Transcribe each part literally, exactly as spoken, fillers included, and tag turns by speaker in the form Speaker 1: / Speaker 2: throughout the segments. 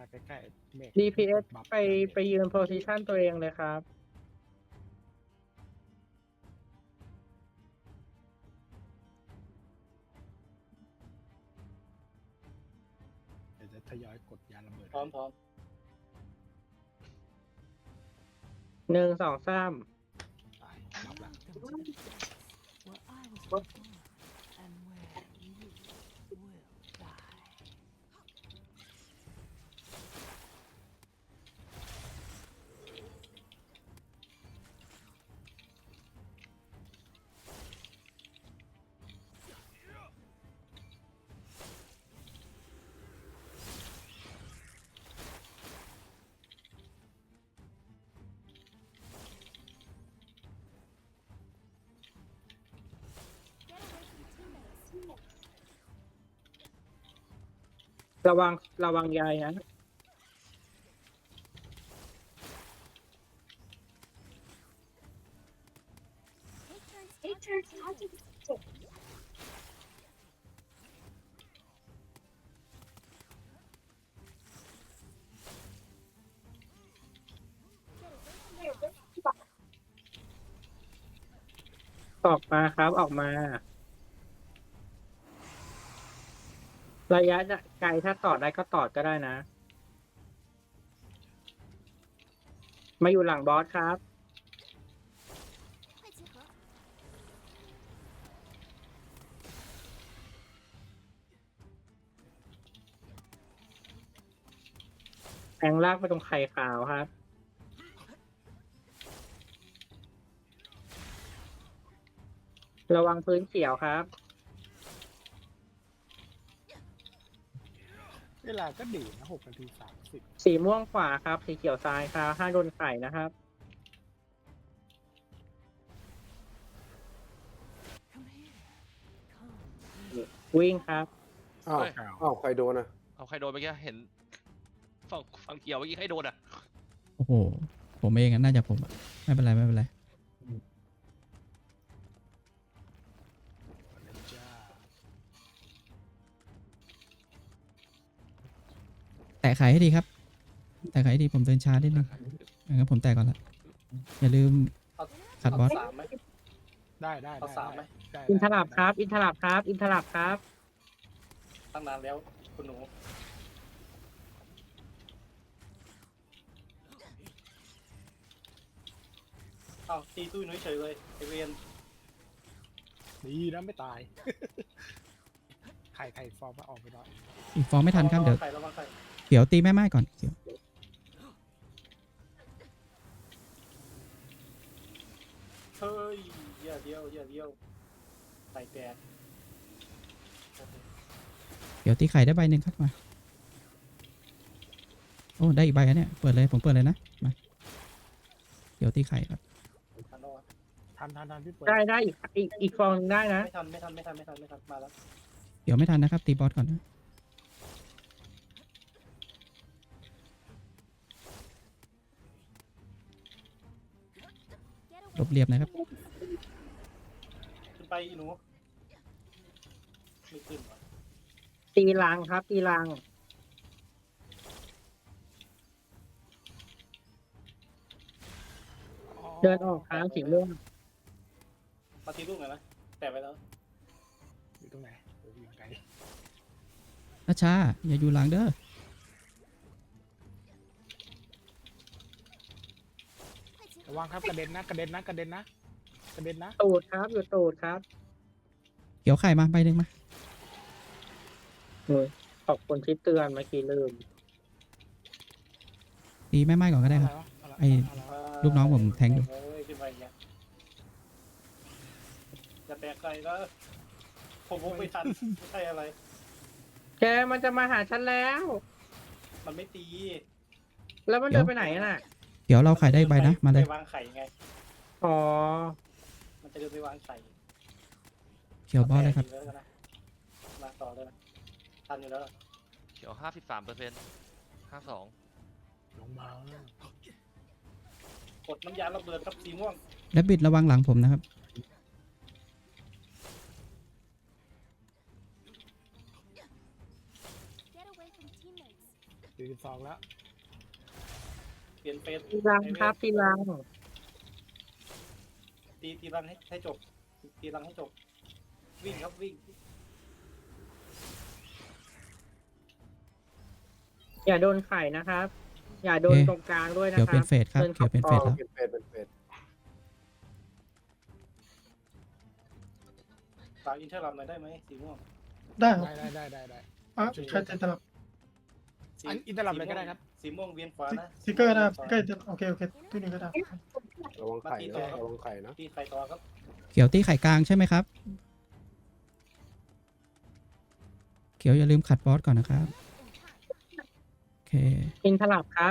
Speaker 1: ใกล้ๆเมฆ
Speaker 2: ดี พี เอส
Speaker 1: บัฟ
Speaker 2: ไปไปยืนโพซิชันตัวเองเลยครับ
Speaker 1: เดี๋ยวจะทยอยกดยาระเบิด
Speaker 3: พร้อมพร้อม
Speaker 2: หนึ่งสองสาม
Speaker 1: ตายบัฟละ
Speaker 4: Where I was born and where you will die.
Speaker 2: ระวังระวังยายนะ ออกมาครับออกมา ระยะไกลถ้าต่อได้ก็ต่อก็ได้นะ มาอยู่หลังบอสครับ แทงลากไปตรงไข่ขาวครับ ระวังพื้นเขียวครับ
Speaker 1: เวลาก็ดีนะหกนาทีสามสิบ
Speaker 2: สีม่วงขวาครับ สีเขียวซ้ายครับห้าโดนไข่นะครับ
Speaker 4: Come here. Come.
Speaker 2: วิ่งครับ
Speaker 5: อ้าว
Speaker 6: เฮ้ย
Speaker 5: อ้าวใครโดนอ่ะ
Speaker 6: เอาใครโดนเมื่อกี้เห็นฝั่งฝั่งเขียวเมื่อกี้ใครโดนอ่ะ
Speaker 7: โอ้โห ผมเองอะน่าจะผมอะไม่เป็นไรไม่เป็นไร
Speaker 1: เลยจ้า
Speaker 7: แตะไข่ให้ดีครับ แตะไข่ให้ดีผมเดินช้านิดนึงงั้นผมแตะก่อนละอย่าลืม
Speaker 3: เอา
Speaker 7: ขัดบอส
Speaker 3: สามไหม
Speaker 1: ได้ได้
Speaker 3: เอาสามไหม
Speaker 1: ได้
Speaker 2: อินท
Speaker 1: ได้
Speaker 2: ลับครับ อินทลับครับ อินทลับครับ
Speaker 3: ตั้งนานแล้วคุณหนูเอ้าตีตุ้ยนุ้ยเฉยเลยไอเวียน
Speaker 1: ดีนะไม่ตาย ไข่ไข่ฟองมาออกไปหน่อย
Speaker 7: อีกฟองไม่ทันครับ เดี๋ยว
Speaker 3: ใครระวังใคร
Speaker 7: เดี๋ยวตีแม่ไม้ก่อนเดี๋ยว
Speaker 3: เฮ้ยอย่าเดียวอย่าเดียวไข่แตก
Speaker 7: เดี๋ยวตีไข่ได้ใบหนึ่งครับมา โอ้ได้อีกใบแล้วเนี่ยเปิดเลยผมเปิดเลยนะมาเดี๋ยวตีไข่ครับ
Speaker 3: ทันแล้ววะ
Speaker 1: ทันทันทันพี่เปิด
Speaker 2: ได้ได้อีกอีกอีกฟองหนึ่งได้นะ
Speaker 3: ไม่ทันไม่ทันไม่ทันไม่ทันไม่ทันมาแล้ว
Speaker 7: เดี๋ยวไม่ทันนะครับ ตีบอสก่อนนะลบเรียบนะครับ
Speaker 3: ขึ้นไปอีหนูไม่ขึ้นวะ
Speaker 2: ตีรังครับ ตีรัง เดินออกครับสีม่วง
Speaker 3: มาทีลูกหน่อยนะแตะไปแล้ว
Speaker 1: อยู่ตรงไหนโอ้ยอยู่ไกล
Speaker 7: นะช้าอย่าอยู่หลังเด้อ
Speaker 1: ระวังครับกระเด็นนะกระเด็นนะกระเด็นนะกระเด็นนะ
Speaker 2: ตูดครับ อยู่ตูดครับ
Speaker 7: เกี่ยวไข่มาใบหนึ่งมา
Speaker 2: โอ้ยขอบคุณที่เตือนเมื่อกี้ลืม
Speaker 7: ตีแม่ไม้ก่อนก็ได้ครับ
Speaker 1: อะไรวะ
Speaker 7: ไอ้
Speaker 1: อะไรวะ
Speaker 7: ลูกน้องผมแทงอยู่
Speaker 3: เฮ้ยขึ้นไปอย่างเงี้ยอย่าแตกใครแล้วผมผมไม่ทันไม่ใช่อะไร
Speaker 2: แกมันจะมาหาฉันแล้ว
Speaker 3: มันไม่ตี
Speaker 2: แล้วมันเดินไปไหนน่ะ
Speaker 7: เดี๋ยวเราไข่ได้ใบนะมาเลย
Speaker 3: ไปวางไข่ไง
Speaker 2: อ๋อ
Speaker 3: มันจะเดินไปวางไข่
Speaker 7: เขียวบอสเลยครับ
Speaker 3: แตกอยู่แล้วนะมาต่อเลยนะทันอยู่แล้ว
Speaker 6: เขียวห้าสิบสามเปอร์เซ็นต์ห้าสอง
Speaker 1: ลงมาก
Speaker 3: ดน้ำยาระเบิดครับสีม่วง
Speaker 7: และบิดระวังหลังผมนะครับ
Speaker 8: Get away from teammates.
Speaker 1: สี่สิบสองแล้ว
Speaker 3: เปลี่ยนเฟส
Speaker 2: ตีรังครับตีรัง
Speaker 3: ตีตีรังให้ให้จบตีรังให้จบ วิ่งครับวิ่ง
Speaker 2: อย่าโดนไข่นะครับ อย่าโดน
Speaker 7: เอ๊ะ
Speaker 2: ตรงกลางด้วยนะ
Speaker 7: เขียว
Speaker 2: ค
Speaker 7: เป็
Speaker 2: รั
Speaker 7: นเฟสครับ
Speaker 2: ดิ
Speaker 7: เขียวเป็นเฟส
Speaker 2: ข้า
Speaker 7: แล้ว
Speaker 2: กรอบ
Speaker 5: เป็นเฟสเป็นเฟส
Speaker 3: ฝากอินเทอร์ลับหน่อยได้ไหมสีม่วง
Speaker 8: ได้ครับ
Speaker 1: ได้ได้ได้ได้ได้
Speaker 8: อ่ะใช้ใจตลับ
Speaker 3: สี
Speaker 1: อันอินเตอร์ลับเลยก็ได้ครับ
Speaker 3: สีม่วงเวียนขวานะ
Speaker 8: สติกเกอร์นะครับสติกเกอร์จะโอเคโอเคตัวนี้ก็ได้
Speaker 5: ระวังไข่นะระวังไข่นะ
Speaker 3: ตีไข่ต่อครับ
Speaker 7: เขียวตีไข่กลางใช่ไหมครับ เขียวอย่าลืมขัดบอสก่อนนะครับ โอเค
Speaker 2: อินทลับครับ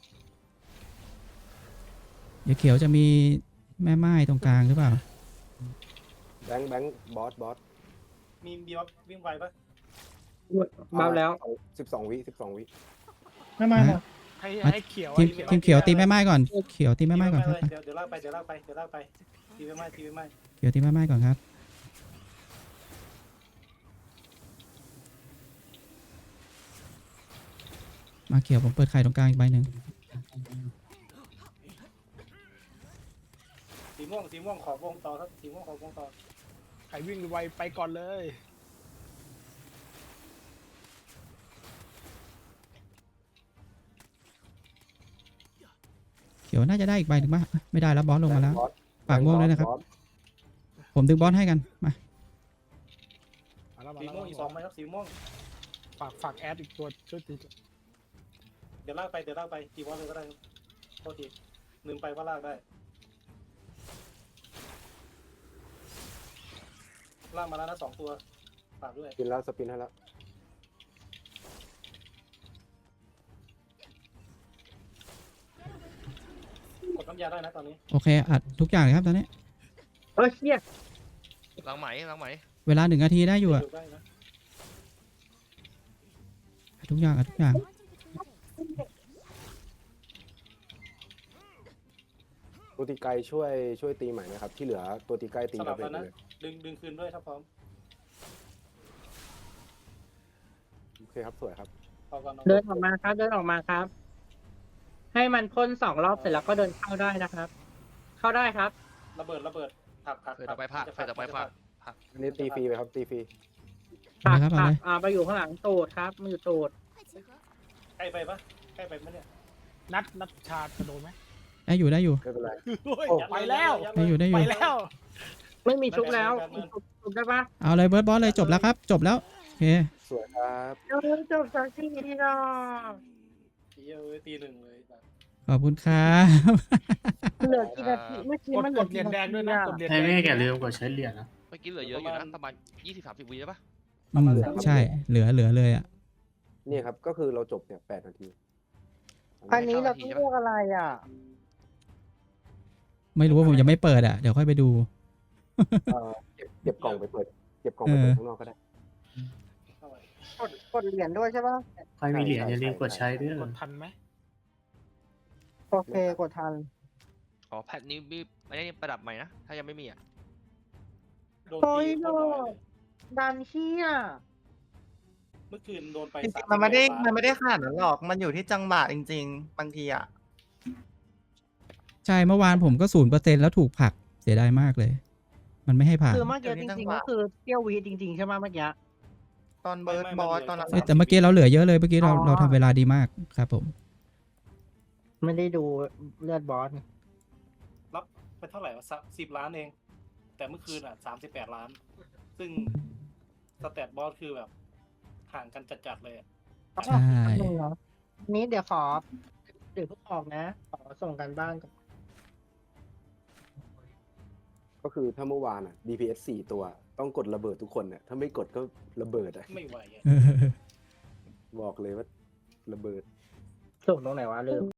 Speaker 7: เดี๋ยวเขียวจะมีแม่ไม้ตรงกลางหรือเปล่า
Speaker 5: แบงค์แบงค์บอสบอส
Speaker 3: มีบีออฟวิ่งไวปะ
Speaker 2: เบาแล้ว
Speaker 5: สิบสองวิสิบสองวิ
Speaker 8: ไม่ไม่ครับ
Speaker 1: ให้ให้เขียว
Speaker 7: ทีม
Speaker 1: ให้
Speaker 7: ทีมเขียวตีแม่ไม้ก่อน เขียวตีแม่ไม้ก่อน
Speaker 3: ตี
Speaker 7: ครับ
Speaker 3: เลยเดี๋ยวเดี๋ยวลากไปเดี๋ยวลากไปเดี๋ยวลากไปตีไปไม้ตีไปไม้
Speaker 7: เขียวตีแม่ไม้ก่อนครับ มาเขียวผมเปิดไข่ตรงกลางอีกใบหนึ่ง
Speaker 3: สีม่วงสีม่วงขอบวงต่อครับสีม่วงขอบวงต่อ
Speaker 1: ใครวิ่งไวไปก่อนเลย
Speaker 7: เขียวน่าจะได้อีกใบหนึ่งป่ะไม่ได้แล้วบอสลงมาแล้ว
Speaker 5: บอส
Speaker 7: ฝากม่วงด้วยนะครับ
Speaker 5: บอส
Speaker 7: ผมดึงบอสให้กัน มา
Speaker 1: มาแล้วมา
Speaker 3: สี
Speaker 1: แล้ว
Speaker 3: ม่วงอีกสองไหมครับสีม่วง
Speaker 1: ฝากฝากแอดอีกตัวช่วยตี
Speaker 3: เดี๋ยวลากไปเดี๋ยวลากไปตีบอสเลยก็ได้ครับโทษทีลืมไปว่าลากได้ลากมาแล้วนะสองตัวฝากด้วย
Speaker 5: สปินแล้วสปินให้แล้ว
Speaker 3: กดน้ำยาได้นะตอนนี้
Speaker 7: โอเคอัดทุกอย่างเลยครับตอนนี้
Speaker 2: เออเชี่ย
Speaker 6: หลังไหมหลังไหม
Speaker 7: เวลาหนึ่งนาทีได้อยู่อะ
Speaker 3: ดูได้นะ
Speaker 7: อัดทุกอย่างอัดทุกอย่าง
Speaker 5: ตัวตีไกลช่วยช่วยตีใหม่นะครับ ที่เหลือตัวตีไกลตี
Speaker 3: สลั
Speaker 5: ระ
Speaker 3: บ
Speaker 5: เบิ
Speaker 3: แล้
Speaker 5: ด
Speaker 3: วนะ
Speaker 5: เลย
Speaker 3: ดึงดึงคืนด้วยถ้าพร้อม
Speaker 5: โอเคครับสวยครับ
Speaker 3: พอก่อนน้อง
Speaker 2: เดินออกมาครับ เดินออกมาครับ ให้มันพ่นสองรอบเสร็จแล้วก็เดินเข้าได้นะครับ เข้าได้ครับ
Speaker 3: ระเบิดระเบิดผักผัก
Speaker 6: เฟสต่อไปพลาดเฟสต่อไปพลาด
Speaker 5: อันนี้ตีฟรีไปครับตีฟรี
Speaker 7: เอาเลยครับเอา
Speaker 2: ผั
Speaker 7: เล
Speaker 2: ก
Speaker 7: ย
Speaker 2: อ่าไปอยู่ข้างหลังตูดครับมันอยู่ตูด
Speaker 3: ใกล้ไปปะใกล้ไปมั้ยเนี่ย
Speaker 1: นัดนัดชาร์จกระโดดไหม
Speaker 7: ได้อยู่ได้อยู่
Speaker 5: ไม่เป็นไร
Speaker 1: โอ้ย
Speaker 5: โอ้
Speaker 1: ไปแล้ว
Speaker 3: ยัด
Speaker 7: ได้
Speaker 3: เล
Speaker 7: อยู่ได้อ
Speaker 1: ไป
Speaker 7: ยู่
Speaker 1: แล้ว
Speaker 2: ไม่มีชุบแล้วชุบได้ปะ
Speaker 7: เอาเลยเบิร์ดบอสเลยจบแล้วครับ จบแล้ว โอเค
Speaker 5: สวยครับ
Speaker 2: เร็วๆจบสักทีทีเนาะ
Speaker 3: เยอะตีหนึ่งเลย
Speaker 7: ขอบคุณครับ
Speaker 2: เหลือกี่นาทีเมื่อกี้
Speaker 1: กด
Speaker 2: มันเห
Speaker 1: ก
Speaker 2: ลือ
Speaker 1: ดเหรียญแดงด้วยนะกดเหรียญ
Speaker 8: ไฮ
Speaker 1: แดง
Speaker 8: เว่อย่าลืมกดใช้เหรียญนะ
Speaker 6: เมื่อกี้เหลือเยอะอยู่นะประมาณยี่สิบสามสิบวิได้ปะ
Speaker 7: อืมใช่ เหลือเหลือเลยอ่ะ
Speaker 5: นี่ครับก็คือเราจบเนี่ยแปดนาที
Speaker 2: อันนี้เราต้องเลือกอะไรอ่ะ
Speaker 7: ไม่รู้ว่าผมยังไม่เปิดอ่ะ เดี๋ยวค่อยไปดู
Speaker 5: เอ่อเก็บเก็บกล่องไปเปิดเก็บกล่องไปเปิดข้างนอกก็ได้
Speaker 3: เท่าไหร่
Speaker 2: กดกดเหรียญด้วยใช่ปะ
Speaker 8: ใครมีเหรียญอย่าลืมกดใช้ด้วย
Speaker 1: กดทันไหม
Speaker 2: โอเคกดทัน
Speaker 6: อ๋อแพทนี้มีไม่ได้ประดับใหม่นะถ้ายังไม่มีอ่ะ
Speaker 3: โดน
Speaker 2: โอ้
Speaker 3: ตี
Speaker 2: ย
Speaker 3: โด
Speaker 2: โด
Speaker 3: น
Speaker 2: นดันเชี่ย
Speaker 3: เมื่อคืนโดนไป
Speaker 9: จริง
Speaker 3: สา
Speaker 9: ๆมันไม่ได้
Speaker 3: สิบกว่า
Speaker 9: มันไม่ได้ขนาดนั้นหรอก มันอยู่ที่จังหวะจริง ๆ บางทีอ่ะ
Speaker 7: ใช่ เมื่อวานผมก็ศูนย์เปอร์เซ็นต์แล้วถูกผลัก เสียดายมากเลย มันไม่ให้ผ่าน
Speaker 2: คือเมื่อกี้จริงๆก็คือเที่ยววีจริงๆใช่ไหมเมื่อกี้
Speaker 9: ตอนเบิร์ดบอสตอนนั้น
Speaker 7: เอ้ยแต่เมื่อกี้เราเหลือเยอะเลย เมื่อกี้เรา
Speaker 2: อ๋อ
Speaker 7: เราทำเวลาดีมากครับผม
Speaker 2: ไม่ได้ดูเลือดบอส
Speaker 3: รับไปเท่าไหร่วะสิบล้านเอง แต่เมื่อคืนอ่ะสามสิบแปดล้าน ซึ่งสแตทบอสคือแบบห่างกันจัดๆเลยอะ
Speaker 7: ใช่
Speaker 2: นี้เดี๋ยวขอเดี๋ยวเพิ่งออกนะ ขอส่งกันบ้านก่อน
Speaker 5: ก็คือถ้าเมื่อวานอ่ะ ดี พี เอส สี่ตัวต้องกดระเบิดทุกคนเนี่ยถ้าไม่กดก็ระเบิดอ่ะ
Speaker 3: ไม่ไหวอะ
Speaker 5: บอกเลยว่าระเบิด
Speaker 2: ส่งตรงไหนวะลืม